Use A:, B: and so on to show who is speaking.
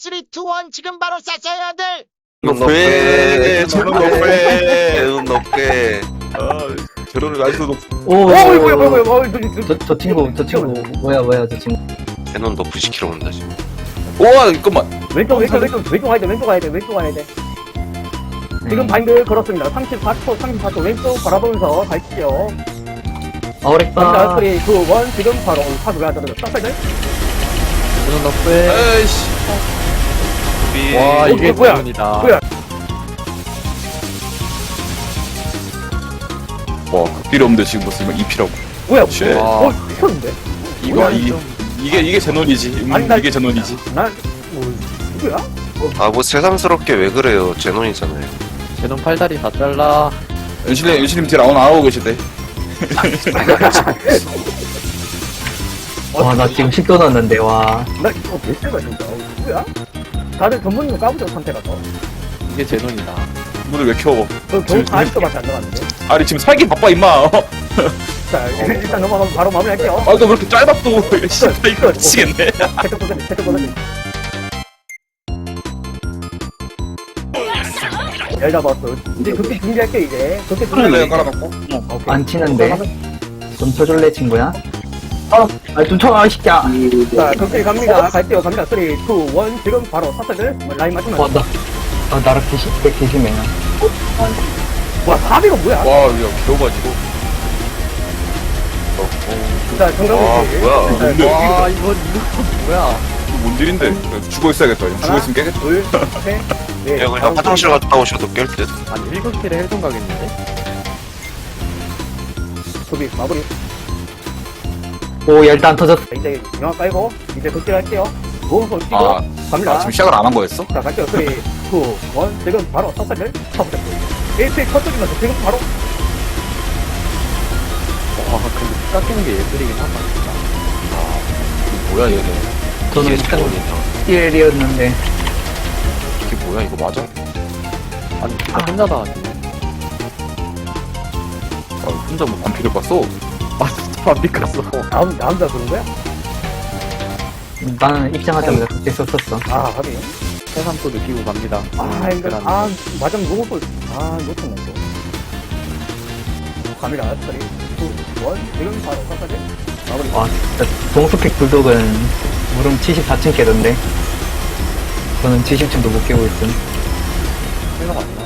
A: 3, 2, 1 지금 바로 쐈어요 들.
B: 높게 제로 높게 제로 높게 제로를 아직도 높
C: 오,
D: 저 친구 뭐야 저 친구.
B: 제노 높이 시키러 온다 지금.
C: 우와 잠깐만.
E: 왼쪽 가야 돼. 지금 바인드 걸었습니다. 34초 왼쪽 바라보면서 갈게요. 갑니다.
D: 어렉다.
E: 3, 2, 1 지금 바로 파수가 들어졌다. 사이드.
D: 저는 너프에.
C: 에이씨.
D: 와 이게
E: 뭐야?
D: 대운이다.
E: 뭐야?
C: 와 필요 없는데 지금 뭐 쓰면 2피라고.
E: 뭐야?
C: 쉣.
E: 미쳤는데?
C: 이거 이게 제논이지.
E: 아니, 나-
C: 이게 제논이지.
E: 난 누구야?
B: 아 뭐 새삼스럽게 왜 그래요? 제논이잖아요.
D: 제놈 팔다리 다 잘라.
C: 연신님 딜 안 하고 계시대.
D: 와 나 지금 10도 넣었는데 와.
E: 나 이거 몇 대가 진짜 누구야? 다들 전문용 까부죠 선택가서.
D: 이게 제논이다.
C: 문을 왜 켜?
E: 저 겨우 40도밖에 안 나갔는데.
C: 아니 지금 살기 바빠 임마.
E: 자 일단 넘어가면 바로 마무리할게요.
C: 아너 왜 이렇게 짧아 또? 진짜 이거 미치겠네.
E: 체크 보세요. 열 잡았어. 이제 그렇게 준비할게 이제. 그렇게
C: 내가 깔아놓고.
D: 안 치는데. 좀 쳐줄래 친구야? 좀 쳐라 이 새끼야.
E: 자 그렇게 갑니다. 갈게요. 갑니다. 3, 2, 1 지금 바로 사슬들 라인 맞추면.
D: 나랑 개심해.
E: 와 400은 뭐야?
C: 와 이거 겨워가지고.
E: 자 정답은
B: 와 뭐야?
C: 뭔데?
D: 와 이거 뭐야?
C: 뭔 딜인데? 죽어 있어야겠다. 죽어 있으면 깨겠다.
E: 둘, 셋, 넷.
B: 야 그냥 화장실 갔다 오셔도 깰 듯.
D: 아니 7킬에 헬동 가겠는데?
E: 소비 마무리.
D: 오 일단 터졌어.
E: 이제 영화 깔고 이제 극딜 할게요. 모험소 뛰고
C: 아,
E: 갑니다.
C: 지금 시작을 안 한 거였어?
E: 자 갈게요. 3, 2, 1 지금 바로 사슬들 쳐보세요. 1픽 컷쪽이면서 지금 바로
D: 와 근데 깎이는 게 예술이긴 하다 진짜.
C: 뭐야 얘네.
D: 저는
B: 이게 제논이다.
D: 1이었는데.
C: 이게 뭐야 이거 맞아?
D: 아니 진짜 혼자다 하지.
C: 아, 혼자 뭐 반피를 봤어?
D: 아 진짜 반비 깠어.
E: 나 혼자 그런 거야?
D: 나는 입장하자마자 그때 썼었어.
E: 아 하긴.
D: 새삼도 느끼고 갑니다.
E: 아 이거 맞으면 누구 놓쳤네 또. 갑니다. 3, 2, 1 지금 바로 사슬들 마무리.
D: 와 진짜 동스펙 불독은 무릎 74층 깨던데. 저는 70층도 못 깨고 있음.
E: 생각 안 나.